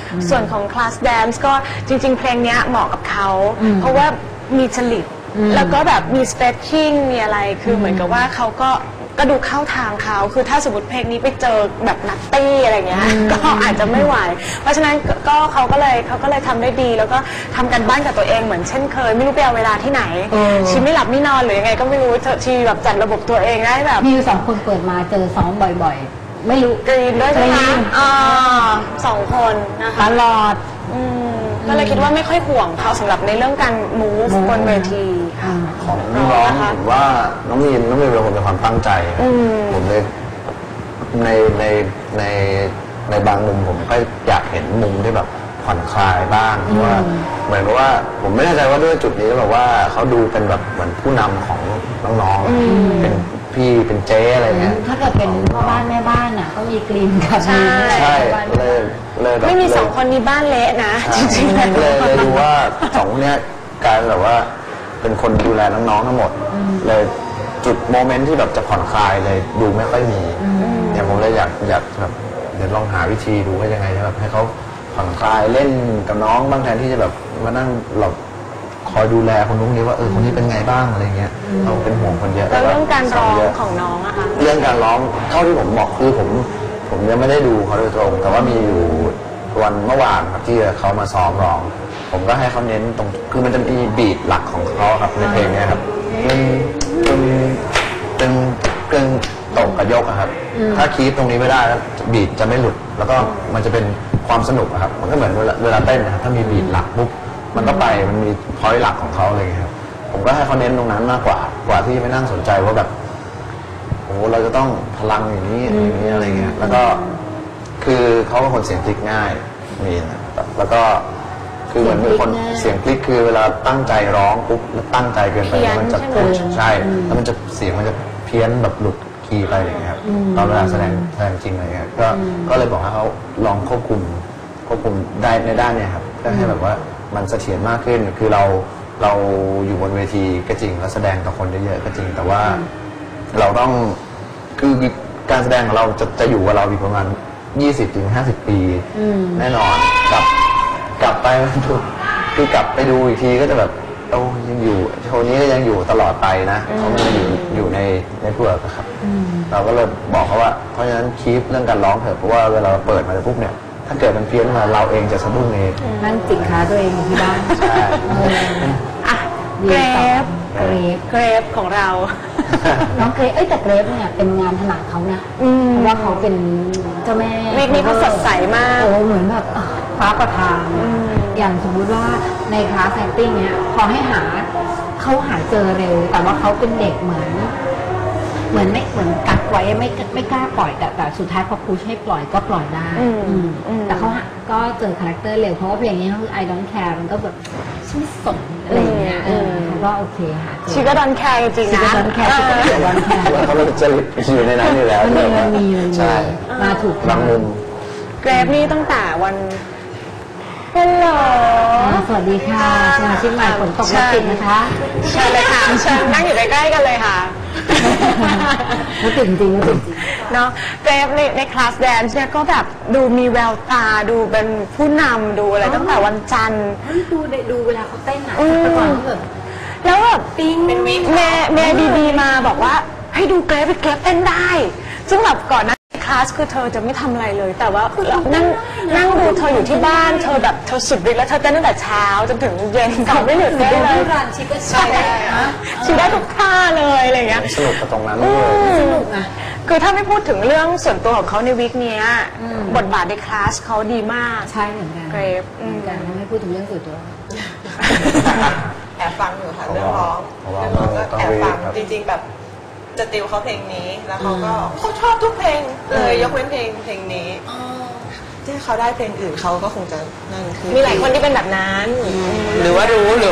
ส่วนของ Class Dance ก็จริงๆเพลงนี้เหมาะกับเขาเพราะว่ามีจริตแล้วก็แบบมี stretching มีอะไรคือเหมือนกับว่าเขาก็ดูเข้าทางเขาคือถ้าสมมติเพลงนี้ไปเจอแบบนัตตี้อะไรเงี้ยก็อาจจะไม่ไหวเพราะฉะนั้นก็เขาก็เลยทำได้ดีแล้วก็ทำกันบ้านกับตัวเองเหมือนเช่นเคยไม่รู้ไปเอาเวลาที่ไหนชีไม่หลับไม่นอนหรือยังไงก็ไม่รู้ชีแบบจัดระบบตัวเองได้แบบมีอยู่2 คนเปิดมาเจอซ้อมบ่อยๆไม่รู้กรีนด้วยใช่ไหม2 คนนะคะตลอดก็เลยคิดว่าไม่ค่อยห่วงเขาสำหรับในเรื่องการ move บนเวทีของน้องผมว่าน้องมีนเป็นคนมีความตั้งใจผมเลยในบางมุมผมก็อยากเห็นมุมที่แบบผ่อนคลายบ้างเพราะว่าเหมือนกับว่าผมไม่แน่ใจว่าด้วยจุดนี้แบบว่าเขาดูเป็นแบบเหมือนผู้นำของน้องๆเป็นพี่เป็นเจ๊อะไรเงี้ยถ้าเกิดเป็นพ่อบ้านแม่บ้านอ่ะก็มีกรีนกับใช่เลยไม่มี2 คนนี้บ้านเละนะจริงๆเลยดูว่า2 คนนี้กลายแบบว่าเป็นคนดูแลน้องๆทั้งหมดเลยจุดโมเมนต์ที่แบบจะผ่อนคลายเลยดูไม่ค่อยมีเนี่ยผมเลยอยากแบบเดี๋ยวลองหาวิธีดูว่ายังไงแบบให้เขาผ่อนคลายเล่นกับน้องบ้างแทนที่จะแบบมานั่งหลบคอยดูแลคนนู้นนี้ว่าคนนี้เป็นไงบ้างอะไรเงี้ยเราเป็นห่วงคนเยอะแล้วเรื่องการร้องของน้องอะคะเรื่องการร้องเท่าที่ผมบอกคือผมยังไม่ได้ดูเขาโดยตรงแต่ว่ามีอยู่วันเมื่อวานครับที่เขามาซ้อมร้องผมก็ให้เขาเน้นตรงคือมันจะมีบีทหลักของเขาครับในเพลงนี้ครับเป็นตกกับยกครับถ้าคีปตรงนี้ไม่ได้แล้วบีทจะไม่หลุดแล้วก็มันจะเป็นความสนุกครับมันก็เหมือนเวลาเต้นนะครับถ้ามีบีทหลักปุ๊บมันก็ไปมันมีพอยต์หลักของเขาเลยครับผมก็ให้เขาเน้นตรงนั้นมากกว่าที่ไม่นั่งสนใจว่าแบบโอ้เราจะต้องพลังอย่างนี้อะไรเงี้ยแล้วก็คือเขาเป็นคนเสียงพลิกง่ายมีนะแล้วก็คือเหมือนเป็นคนเสียงพลิกคือเวลาตั้งใจร้องปุ๊บแล้วตั้งใจเกินไปมันจะพุชใช่แล้วมันจะเสียงมันจะเพี้ยนแบบหลุดคีย์ไปอย่างเงี้ยครับตอนเวลาแสดงจริงอะไรเงี้ยก็เลยบอกให้เขาลองควบคุมได้ในด้านเนี้ยครับเพื่อให้แบบว่ามันเสถียรมากขึ้นคือเราอยู่บนเวทีก็จริงแล้วแสดงกับคนเยอะๆก็จริงแต่ว่าเราต้องคือการแสดงของเราจะอยู่กับเราอีกประมาณ20-50 ปีแน่นอนกลับไปคือกลับไปดูอีกทีก็จะแบบยังอยู่โชว์นี้ก็ยังอยู่ตลอดไปนะเขาไม่อยู่ในเน็ตเวิร์กครับเราก็เลยบอกเขาว่าเพราะฉะนั้นคีปเรื่องการร้องเถอะเพราะว่าเวลาเปิดมาปุ๊บเนี่ยถ้าเกิดมันเพี้ยนมาเราเองจะสะดุ้งเองนั่งจิกขาตัวเองอยู่ที่บ้านใช่เกรฟของเราน้องเกรฟแต่เกรฟเนี่ยเป็นงานถนัดเขานะเพราะว่าเขาเป็นเจ้าแม่วีคนี้เขาสดใสมากเหมือนแบบฟ้าประทานอย่างสมมุติว่าในคลาสแอคติ้งเนี่ยพอให้เขาหาเจอเร็วแต่ว่าเขาเป็นเด็กเหมือนกักไว้ไม่กล้าปล่อยแต่สุดท้ายพอพุชให้ปล่อยก็ปล่อยได้แต่เขาก็เจอคาแรคเตอร์เร็วเพราะว่าเพลงนี้เขาคือ I don't care มันก็แบบฉันไม่สนอะไรเงี้ยเขาก็โอเคหาเจอชีก็ดอนแคร์จริงนะดอนแคร์เขาจะอยู่ในนั้นอยู่แล้วใช่มาถูกบางมุมเกรฟนี่ตั้งแต่วันฮัลโหลสวัสดีค่ะสมาชิกใหม่ฝนตกรถติดนะคะใช่เลยค่ะเชิญนั่งอยู่ใกล้ๆกันเลยค่ะรถติดจริงเนาะเกรฟในคลาสแดนซ์เนี่ยก็แบบดูมีแววตาดูเป็นผู้นำดูอะไรตั้งแต่วันจันทร์ดูเวลาเขาเต้นอ่ะแต่ก่อนแบบแล้วแบบปิ๊งแม่ดีมาบอกว่าให้ดูเกรฟเต้นได้ซึ่งแบบก่อนนั้นคลาสคือเธอจะไม่ทำอะไรเลยแต่ว่านั่งดูเธออยู่ที่บ้านเธอแบบเธอสุดฤทธิ์แล้วเธอเต้นตั้งแต่เช้าจนถึงเย็นเขาไม่หยุดเต้นเลยชีก็ใช่ชีได้ทุกท่าเลยอะไรอย่างเงี้ยสนุกกับตรงนั้นเลยสนุกนะคือถ้าไม่พูดถึงเรื่องส่วนตัวของเขาในวีคนี้บทบาทในคลาสเขาดีมากใช่เหมือนกันเกรฟไม่พูดถึงเรื่องส่วนตัวแอบฟังอยู่ค่ะเรื่องร้องก็แอบฟังจริงๆแบบจะติวเขาเพลงนี้แล้วเขาชอบทุกเพลงเลยยกเว้นเพลงนี้ที่เขาได้เพลงอื่นเขาก็คงจะนั่นคือมีหลายคนที่เป็นแบบนั้นหรือว่ารู้แต่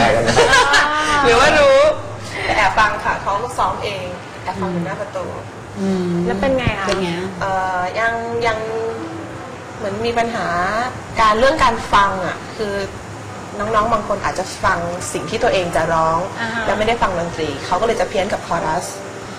แอบฟังค่ะเขาก็ซ้อมเองแอบฟังอยู่หน้าประตูแล้วเป็นไงคะยังเหมือนมีปัญหาเรื่องการฟังอ่ะคือน้องๆบางคนอาจจะฟังสิ่งที่ตัวเองจะร้องแล้วไม่ได้ฟังดนตรีเขาก็เลยจะเพี้ยนกับคอรัส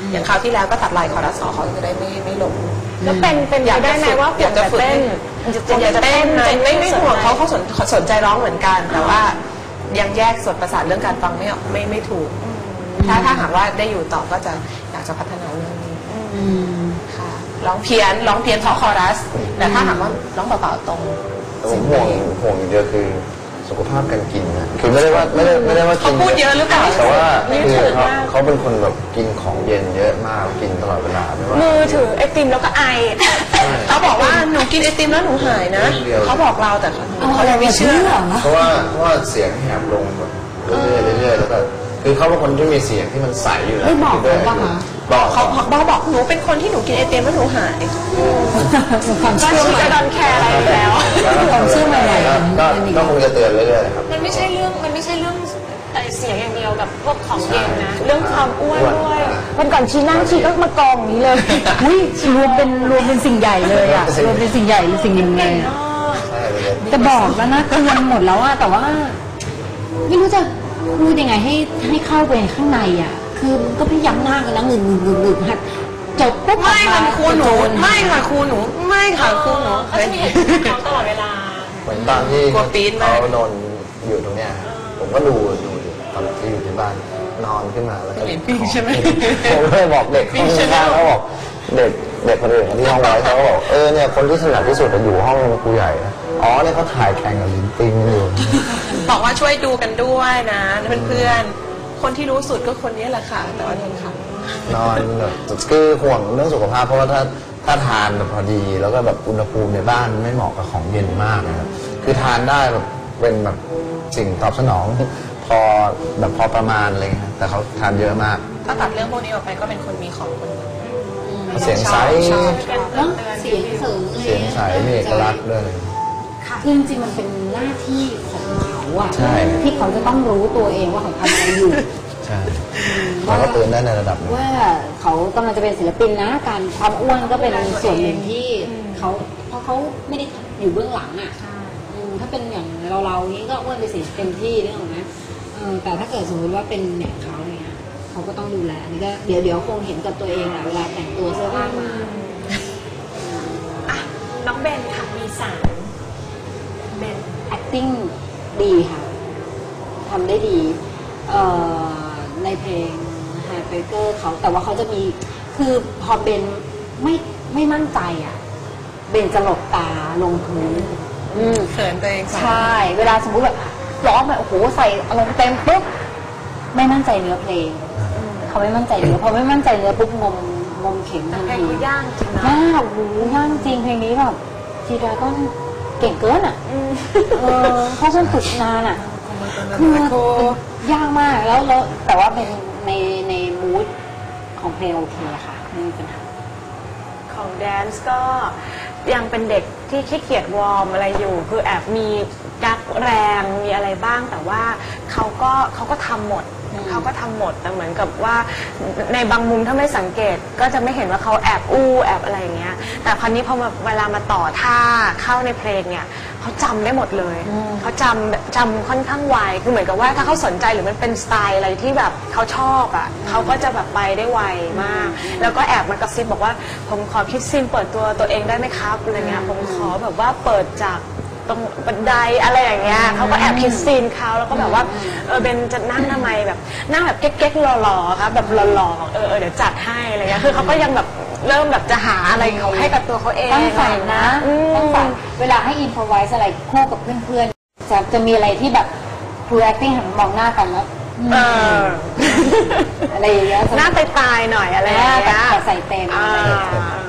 อย่างคราวที่แล้วก็ตัดลายคอรัสเขาจะได้ไม่ลงแล้วเป็นไปได้ไหมว่าอยากจะฝึกเต้นอยากจะเต้นไม่ห่วงเขาสนใจร้องเหมือนกัน แต่ว่ายังแยกส่วนประสาทเรื่องการฟังไม่ถูก ถ้าหากว่าได้อยู่ต่อก็จะอยากจะพัฒนาเรื่องนี้ค่ะร้องเพี้ยนเพราะคอรัส แต่ถ้าหากว่าร้องเปล่าๆตรงผมห่วงอย่างเดียวคือสุขภาพการกินนะคือไม่ได้ว่ากินเขาพูดเยอะหรือเปล่าแต่ว่าคือเขาเป็นคนแบบกินของเย็นเยอะมากกินตลอดเวลาไม่ว่ามือถือไอติมแล้วก็ไอเขาบอกว่าหนูกินไอติมแล้วหนูหายนะเขาบอกเราแต่เขายังไม่เชื่อเพราะว่าเสียงแหบลงแบบเรื่อยๆแล้วก็คือเขาเป็นคนที่มีเสียงที่มันใสอยู่แล้วไม่บอกเลยป่ะคะบอกเขาบอกหนูเป็นคนที่หนูกินไอติมแล้วหนูหายความก็เชื่อชีใหม่จะดอนแคร์อะไรอยู่แล้วความเชื่อใหม่ๆก็คงจะเตือนเรื่อยๆครับมันไม่ใช่เรื่องเสียงอย่างเดียวกับพวกของเย็นนะ เรื่องความอ้วนด้วยวันก่อนชีนั่งชีก็มากองอย่างนี้เลยอุ้ยรวมเป็นสิ่งใหญ่เลยอ่ะรวมเป็นสิ่งใหญ่หรือสิ่งหนึ่งเลยอะใช่เลยจะบอกแล้วนะเตือนหมดแล้วอะแต่ว่า ไม่รู้จะพูดยังไงให้เข้าไปข้างในอ่ะ คือมันก็พยายามหน้ากันนะงึกหัดจบปุ๊บไม่ค่ะครูหนูไม่ค่ะครูหนูไม่ค่ะครูหนูเขาจะมีเหตุผลของเขาตลอดเวลาเหมือนตอนที่กลัวปี๊ดมากเขานอนอยู่ตรงเนี้ยครับผมก็ดูอยู่ตอนที่อยู่ที่บ้านนอนขึ้นมาแล้วก็เห็นปิ้งใช่ไหมผมก็เลยบอกเด็กข้างๆเขาบอกเด็กคนอื่นที่ห้องไว้เขาบอกเนี่ยคนที่ถนัดที่สุดอยู่ห้องครูใหญ่นะอ๋อเนี่ยเขาถ่ายแข่งกับลิ้นปิงอยู่บอกว่าช่วยดูกันด้วยนะเพื่อนๆคนที่รู้สุดก็คนนี้แหละค่ะ แต่ว่าโดนขังนอนแบบคือห่วงเรื่องสุขภาพเพราะว่าถ้าทานแบบพอดีแล้วก็แบบอุณหภูมิในบ้านไม่เหมาะกับของเย็นมากนะครับคือทานได้แบบเป็นแบบสิ่งตอบสนองพอประมาณอะไรเงี้ยแต่เขาทานเยอะมากถ้าตัดเรื่องพวกนี้ออกไปก็เป็นคนมีของคนหนึ่งเสียงใสแล้วเสียงเสริงเสียงใสมีเอกลักษณ์ด้วยคือจริงๆมันเป็นหน้าที่ของเขาอะใช่ที่เขาจะต้องรู้ตัวเองว่าเขาทำอะไรอยู่ใช่เราก็เตือนได้ในระดับหนึงว่าเขากำลังจะเป็นศิลปินนะการความอ้วนก็เป็นส่วนหนึ่งที่เขาเพราะเขาไม่ได้อยู่เบื้องหลังอ่ะถ้าเป็นอย่างเรานี้ก็อ้วนไปสิเต็มที่นึกออกไหมแต่ถ้าเกิดสมมติว่าเป็นอย่างเขาเนี่ยเขาก็ต้องดูแลอันนี้ก็เดี๋ยวคงเห็นกับตัวเองแหละเวลาแต่งตัวเสื้อผ้ามาอ่ะน้องเบนค่ะมีสารเบน acting ดีค่ะทำได้ดีในเพลง Heartbreaker เขาแต่ว่าเขาจะมีคือพอเบนไม่มั่นใจอ่ะเบนจะหลบตาลงพื้นเขินตัวเองใช่ เวลาสมมุติแบบร้องแบบโอ้โหใส่อารมณ์เต็มปุ๊บไม่มั่นใจเนื้อเพลงเขาไม่มั่นใจเนื้อพอไม่มั่นใจเนื้อปุ๊บงมเข็มทันเพลงทีเขาย่างจริงนะยากโอ้โหยากจริงเพลงนี้แบบจีดราก้อนเก่งเกินอ่ะเพราะฉันฝึกนานอ่ะคือยากมากแล้วแต่ว่าเป็นในมูดของเพลงโอเคค่ะไม่มีปัญหาของแดนซ์ก็ยังเป็นเด็กที่ขี้เกียจวอร์มอะไรอยู่ คือแอบมีกักแรงมีอะไรบ้างแต่ว่าเขาก็ทำหมดแต่เหมือนกับว่าในบางมุมถ้าไม่สังเกตก็จะไม่เห็นว่าเขาแอบแอบอะไรอย่างเงี้ยแต่คราวนี้พอเวลามาต่อท่าเข้าในเพลงเนี่ยเขาจำได้หมดเลยเขาจำค่อนข้างไวคือเหมือนกับว่าถ้าเขาสนใจหรือมันเป็นสไตล์อะไรที่แบบเขาชอบอ่ะเขาก็จะแบบไปได้ไวมากแล้วก็แอบมากระซิบบอกว่าผมขอคิดซีนเปิดตัวเองได้ไหมครับอะไรเงี้ยผมขอแบบว่าเปิดจากตรงบันไดอะไรอย่างเงี้ยเขาก็แอบคิดซีนเขาแล้วก็แบบว่าเบนจะนั่งทำไมแบบนั่งแบบเก๊กๆหล่อๆครับแบบหล่อๆเดี๋ยวจัดให้อะไรเงี้ยคือเขาก็ยังแบบเริ่มแบบจะหาอะไรเขาให้กับตัวเขาเองตั้งฝันนะตั้งฝันเวลาให้อินโฟไวส์อะไรคู่กับเพื่อนๆจะมีอะไรที่แบบครู acting หันมองหน้ากันแล้วอะไรอย่างเงี้ยหน้าตายๆหน่อยอะไรอย่างเงี้ยแต่ใส่เต็มอะไรอย่างเงี้ย